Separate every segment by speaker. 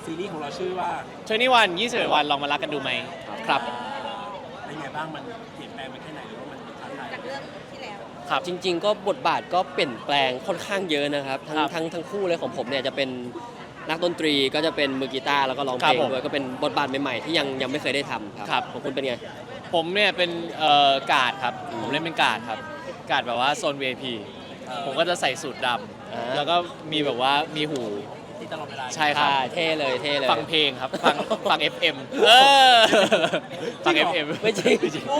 Speaker 1: ซีรีส์ของเราชื่อว่า
Speaker 2: 21 วันลองมารักกันดูไหมครับ
Speaker 1: เป็นไงบ้างมันเปลี่ยนแปลงไปแค่ไหนหรือว่ามันท้าทาย
Speaker 3: จากเรื่องที่แล้ว
Speaker 2: ครับ
Speaker 4: จริงๆก็บทบาทก็เปลี่ยนแปลงค่อนข้างเยอะนะครับทั้งคู่เลยของผมเนี่ยจะเป็นนักดนตรีก็จะเป็นมือกีตาร์แล้วก็ร้องเพลงด้วยก็เป็นบทบาทใหม่ๆที่ยังไม่เคยได้ทำครับของคุณเป็นไง
Speaker 2: ผมเนี่ยเป็นการ์ดครับผมเล่นเป็นการ์ดครับการ์ดแบบว่าโซน VIP ผมก็จะใส่สูทดำแล้วก็มีแบบว่ามีหู
Speaker 1: ที่ตลอดเวลา
Speaker 2: ใช่ครับ
Speaker 4: เท่เลย
Speaker 2: ฟังเพลงครับฟัง FM ฟัง FM
Speaker 4: ไม่จริง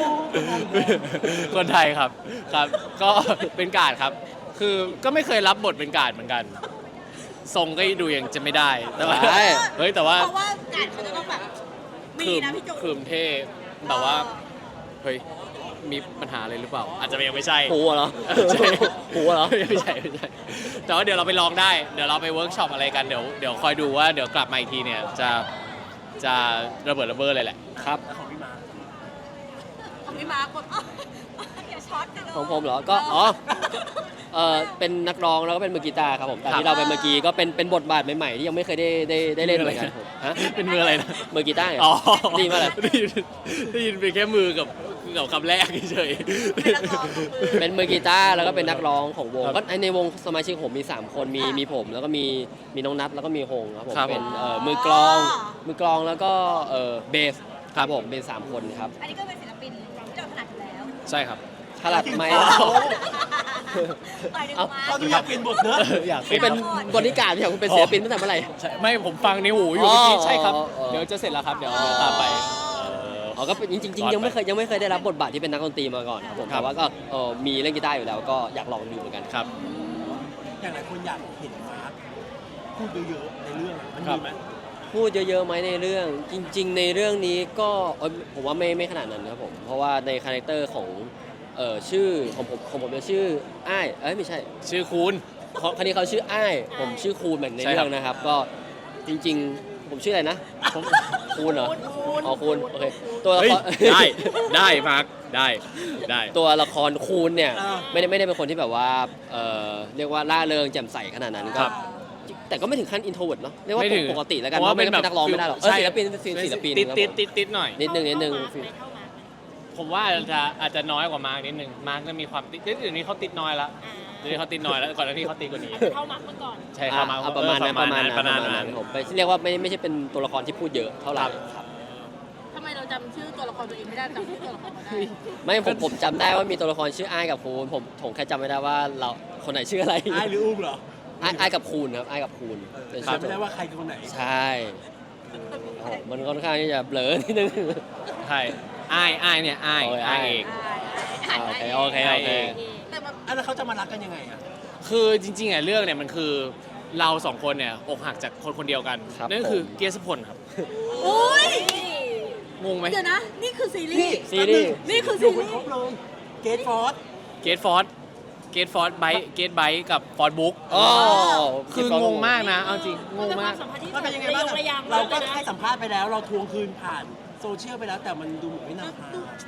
Speaker 2: คนไทยครับก็เป็นการ์ดครับคือก็ไม่เคยรับบทเป็นการ์ดเหมือนกันทรงก็ดูยังจะไม่ได้แต่ว่าเฮ้ยแต่ว่า
Speaker 3: เพราะว่าการเขาจะต้องแบบมีนะพี่จู
Speaker 2: คืมเท่แต่ว่าเฮ้ยมีปัญหาอะไรหรือเปล่าอาจจะยังไม่ใช่
Speaker 4: หูเหรอหูเหรอ
Speaker 2: ไม่ใช่แต่ว่าเดี๋ยวเราไปลองได้เดี๋ยวเราไปเวิร์กช็อปอะไรกันเดี๋ยวคอยดูว่าเดี๋ยวกลับมาอีกทีเนี่ยจะระเบิดระเบ้อเลยแหละครับ
Speaker 1: ของพี่มา
Speaker 3: กดอย่าช็อตกันเลย
Speaker 4: ของผมเหรอก็เป็นนักร้องแล้วก็เป็นมือกีตาร์ครับผมแต่ที่เราเป็นเมื่อกี้ก็เป็นบทบาทใหม่ๆที่ยังไม่เคยได้เล่นเหมือนกันผมฮะ
Speaker 2: เป็นมืออะไรนะ
Speaker 4: มือกีตาร์
Speaker 2: อ๋อ
Speaker 4: ดีมากเลย
Speaker 2: ได้ยินเป็นแค่มือกับคำแรกเฉย
Speaker 4: เป็นมือกีตาร์แล้วก็เป็นนักร้องของวงก็ในวงสมาชิกผมมี3คนมีผมแล้วก็มีน้องนัทแล้วก็มีฮงครับผมเป็นมือกลองแล้วก็เบสครับผมเป็น3คนครับ
Speaker 3: อันนี้ก็เป็นศิลปินที่เราถนัดอยู่แล้ว
Speaker 2: ใช่ครับ
Speaker 4: ถนัดไหม
Speaker 1: ตอนนี้อยากเปลี่ยนบทเนอะ
Speaker 2: อยาก
Speaker 4: เป็นบริการที่คุณเป็นศิลปินตั้งแต่เมื่อไหร่
Speaker 2: ไม่ผมฟังในหูอยู่เมื่อกี้ใช่ครับเดี๋ยวจะเสร็จแล้วครับเดี๋ยวตามไป
Speaker 4: ก็เป็นจริงๆยังไม่เคยได้รับบทบาทที่เป็นนักดนตรีมาก่อนครับผมแต่ว่าก็มีเล่นกีตาร์อยู่แล้วก็อยากลองดูเหมือนกัน
Speaker 2: ครับ
Speaker 1: อย่างหลายคนอยากเห็นมาร์คพูดเยอะๆในเรื่องมันมีไหม
Speaker 4: พูดเยอะๆไหมในเรื่องจริงๆในเรื่องนี้ก็ผมว่าไม่ขนาดนั้นครับผมเพราะว่าในคาแรคเตอร์ของชื่อของผมจะชื่ออ้ายไม่ใช่
Speaker 2: ชื่อคูณ
Speaker 4: คนนี้เขาชื่ออ้ายผมชื่อคูณเหมือนในเรื่องนะครับก็จริงๆผมชื่ออะไรนะผมคูณเหรออ๋อคูณโอเคตัวละคร
Speaker 2: ได้มาร์คได้
Speaker 4: ตัวละครคูณเนี่ยไม่ได้เป็นคนที่แบบว่าเรียกว่าล่าเริงแจ่มใสขนาดนั้นก็แต่ก็ไม่ถึงขั้นอินโทรเวิร์ตเนาะเรียกว่าปกติแล้วกันเพราะไม่เป็นนักร้องไม่ได้หรอกศิลปิน
Speaker 2: ติดหน่อย
Speaker 4: นิดนึง
Speaker 2: ผมว่าอาจจะน้อยกว่ามาร์กนิดนึงมาร์กจะมีความติดอื่นนี้เขาติดน้อยแล้วเดี๋ยวนี้เขาติดน้อยแล้วก่อนหน้านี้เขาติดกว่านี้
Speaker 3: เท่ามาร์กเมื่อก่อน
Speaker 2: ใช่ครับมา
Speaker 4: ประมาณนั้นผมเรียกว่าไม่ใช่เป็นตัวละครที่พูดเยอะเท่าไหร่ครับ
Speaker 3: ทำไมเราจำชื่อตัวละครตัวเองไม่ได้จำชื่อตัวละครได้
Speaker 4: ไม่ผมจำได้ว่ามีตัวละครชื่ออ้ายกับคูณผมแค่จำไม่ได้ว่าเราคนไหนชื่ออะไร
Speaker 1: อ้ายหรืออุ้มเหรอ
Speaker 4: อ้ายกับคูณครับอ้ายกับคูณ
Speaker 1: จำไม่ได้ว่าใครคือคนไหน
Speaker 4: ใช่มันค่อนข้างที่จะเบลอนิดนึง
Speaker 2: ใช่อ้ายเนี่ยอ้ายเอง
Speaker 4: โอเค
Speaker 1: แล้วเขาจะมารักกันยังไงอ่ะ
Speaker 2: คือจริงๆเรื่องเนี่ยมันคือเรา2คนเนี่ยอกหักจากคนเดียวกันนั่นคือเกียรติพลครับ
Speaker 3: อุ้ย
Speaker 2: งงไหม
Speaker 3: เดี๋ยวนะนี่คือซีรีส์นี่คือซีรีส์
Speaker 1: เกตฟอร์ด
Speaker 2: ไบค์กับฟอร์ดบุ๊กคืองงมากนะเอาจริงงงมาก
Speaker 1: มันเป็นยังไงบ้างเราก็ให้สัมภาษณ์ไปแล้วเราทวงคืนผ่านโซเชียลไปแล้วแต่มันดูเหมือนไม่นำพา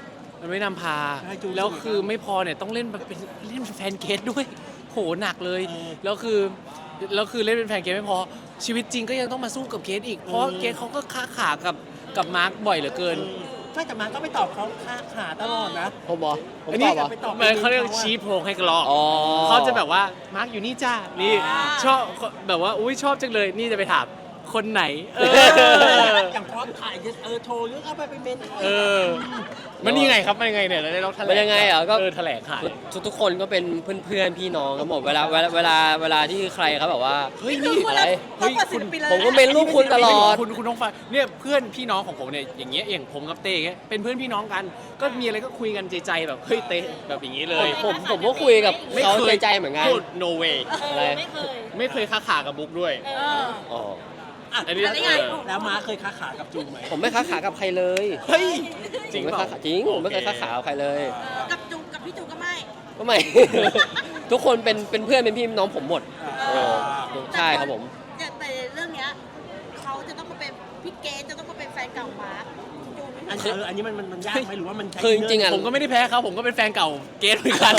Speaker 2: แล้วคือไม่พอเนี่ยต้องเล่นแฟนเกสด้วยโหหนักเลยแล้วคือเล่นเป็นแฟนเกสไม่พอชีวิตจริงก็ยังต้องมาสู้กับเกสอีกเพราะเกสเขาก็ค้าขากับมาร์คบ่อยเหลือเกิน
Speaker 1: ไม่แต่มาร์คก็ไปตอบเขาค้าขาตลอดนะ
Speaker 4: ผมตอบ
Speaker 2: เขาเรียกชี้โพงให้กรอกเขาจะแบบว่ามาร์คอยู่นี่จ้านี่ชอบแบบว่าอุ้ยชอบจังเลยนี่จะไปถามคนไหน
Speaker 1: อย่างพร้อมถ่ายโทรเรื่องเอาไปเป็นเมน
Speaker 2: มันยังไงครับมันยังไงเนี่ยเราแถลง
Speaker 4: มันยังไงก็
Speaker 2: แถลงขาย
Speaker 4: ทุกคนก็เป็นเพื่อนพี่น้องครับผมเวลาที่ใครเขาแบบว่า
Speaker 2: เฮ้ยนี่อะไร
Speaker 3: เฮ้ย
Speaker 4: ผมก็เป็นลูกคุณตลอด
Speaker 2: คุณน้องฟ้าเนี่ยเพื่อนพี่น้องของผมเนี่ยอย่างเงี้ยอย่างผมกับเต้เงี้ยเป็นเพื่อนพี่น้องกันก็มีอะไรก็คุยกันใจแบบเฮ้ยเต้แบบอย่างงี้เลย
Speaker 4: ผมก็คุยกับเขาใจเหมือนกัน
Speaker 2: no way
Speaker 3: อะไร
Speaker 2: ไม่เคยค้าขากับบุ๊กด้วย
Speaker 1: อันนี้แล้วม้าเคยค้าขากับจูไหม
Speaker 4: ผมไม่ค้าขากับใครเลย
Speaker 2: เฮ้ย
Speaker 4: จริงผมไม่เคยค้าขากับใครเลย
Speaker 3: กับพี่จูก็ไม่
Speaker 4: ทุกคนเป็นเพื่อนเป็นพี่น้องผมหมดใช่ครับผม
Speaker 3: แต่เรื่องเนี้ยเขาจะต้องมาเป็นพี่เกจะต้องมาเป็นแฟนเก่ามาร์ค
Speaker 1: อันนี้มันยากไหมหรือว่ามัน
Speaker 4: คือจริงๆ
Speaker 2: ผมก็ไม่ได้แพ้เขาผมก็เป็นแฟนเก่าเกสเหมือนกัน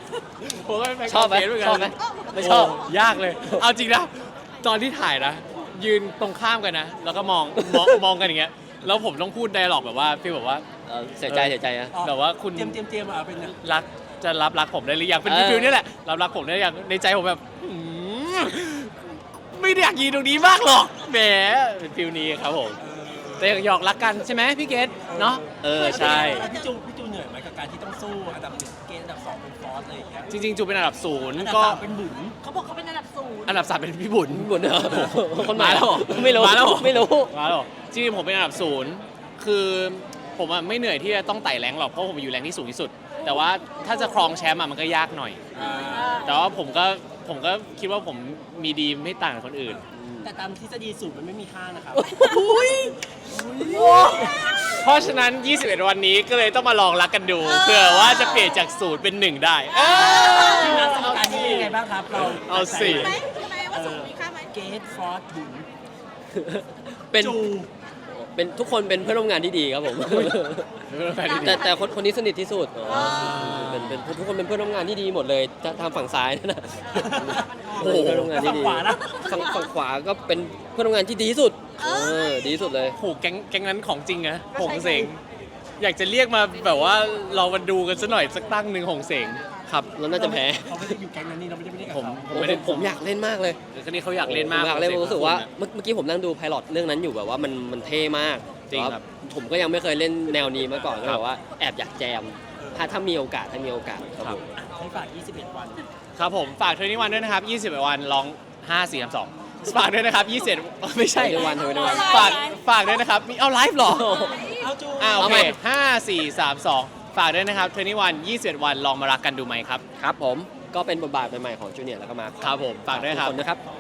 Speaker 2: ผมก็เป็นแฟนเก่าเกสเหมือนกัน
Speaker 4: ชอบไหม
Speaker 2: ไม่ชอบยากเลยเอาจริงนะตอนที่ถ่ายนะยืนตรงข้ามกันนะ แล้วก็มองกันอย่างเงี้ยแล้วผมต้องพูดไดร็อกแบบว่าพี่บอกว่า
Speaker 4: เสียใจนะ
Speaker 2: แบบว่าคุณ
Speaker 1: เตรียมเป็นไง
Speaker 2: รักผมได้หรือยังเป็นฟิลนี่แหละรักผมได้หรือยังในใจผมแบบไม่ได้อยากยืนตรงนี้มากหรอกแหมเป็นฟิลนี้ครับผมแต่หยอกรักกันใช่ไหมพี่เกดเนาะใช่
Speaker 1: พี่จูเหนื่อยไหมกับการที่ต้องสู้อันดับ1เกณฑ์อันดับ2เป็นฟอสอะไรอย่างเงี้ย
Speaker 2: จริงๆจูเป็นอันดับ
Speaker 1: อันดับ
Speaker 2: 0ก็
Speaker 1: 3เป็นบุ๋ม
Speaker 3: เขาบอกเขาเป็นอันดับศูนย์
Speaker 2: อันดับ 3เป็นพี่บุญ
Speaker 4: บุญเหรอคนใหม่
Speaker 2: มาแล้วเหรอ
Speaker 4: ไม่รู้
Speaker 2: มาแล้วเหรอ
Speaker 4: ไม่รู้
Speaker 2: มาแล้วเหรอจริงๆผมเป็นอันดับ 0คือผมอะไม่เหนื่อยที่จะต้องไต่แรงหรอกเพราะผมอยู่แรงที่สูงที่สุด แต่ว่าถ้าจะครองแชมป์อะมันก็ยากหน่อย แต่ว่าผมก็คิดว่าผมมีดีไม่ต่างจากคนอื่น
Speaker 1: แต่ตามทฤษฎีสูตรมันไม่มีค่านะครับ
Speaker 2: เพราะฉะนั้น 21 วันนี้ก็เลยต้องมาลองรักกันดูเผื่อว่าจะเปลี่ยนจาก0เป็น1ได้
Speaker 1: ทีมงานสมการนี้เป็นยังไงบ้างครับ เรา
Speaker 2: เอาสิ
Speaker 3: ใช่ไหมใช่ไหมว่าศูนย์มีค่าไหม
Speaker 1: เกตฟอสบุ๋ม
Speaker 4: เป็น
Speaker 1: จู
Speaker 4: เป็นทุกคนเป็นเพื่อนร่วมงานที่ดีครับผมแต่คนนี้สนิทที่สุดเป็นทุกคนเป็นเพื่อนร่วมงานที่ดีหมดเลยทางฝั่งซ้ายนั่นนะ
Speaker 1: โอ้โห
Speaker 4: เพื่อนร่วมงานที่ดี
Speaker 1: ฝั่งขวานะ
Speaker 4: ฝั่งขวาก็เป็นเพื่อนร่วมงานที่ดีที่สุดดีที่สุดเลย
Speaker 2: โหแก๊งนั้นของจริงนะหงเสงอยากจะเรียกมาแบบว่าเรามาดูกันสักหน่อยสักตั้งหนึ่งหงเสงครับ
Speaker 4: แล้วน่าจะแพ้
Speaker 1: เขาไม่ได้อยู่แก๊งนั้นนี่เราไม่ได้กับ
Speaker 2: ผม
Speaker 1: เขา
Speaker 2: ไม่ได้
Speaker 4: ผมอยากเล่นมากเลย
Speaker 2: คือนี้เขาอยากเล่นมาก
Speaker 4: ผมอยากเล่น
Speaker 2: หงสง
Speaker 4: รู้สึกว่า
Speaker 2: คุณอะ
Speaker 4: เมื่อกี้ผมนั่งดูไพลอตเรื่องนั้นอยู่แบบว่ามันเท่มาก
Speaker 2: จริงครับ
Speaker 4: แต่ว่าผมก็ยังไม่เคยเล่นแนวนี้มาก่อนก็
Speaker 2: ครั
Speaker 4: แบบ บว่าแอบอยากแจมถ้ามีโอกาสครับผม
Speaker 1: ให้ฝาก 21 วัน
Speaker 2: ครับผมฝากเทอร์นี่วันด้วยนะครับ 21 วันลอง 5 4 3 2 ฝากด้วยนะครับ 21 ไม่ใช่
Speaker 4: เทอร์นี่วันเทอร์นี่วัน
Speaker 2: ฝากด้วยนะครับมีเอาไลฟ์เหรอ
Speaker 1: เอาจู
Speaker 2: โอ
Speaker 4: เอา
Speaker 2: เค
Speaker 4: ใหม่
Speaker 2: 5 4 3 2 ฝากด้วยนะครับเทอร์นี่วัน21 วันลองมารักกันดูไหมครับ
Speaker 4: ครับผมก็เป็นบทบาทใหม่ๆของจูเนียร์แล้วก็มา
Speaker 2: ครับผมฝากด้วยครับ
Speaker 4: ทุกคนนะครับ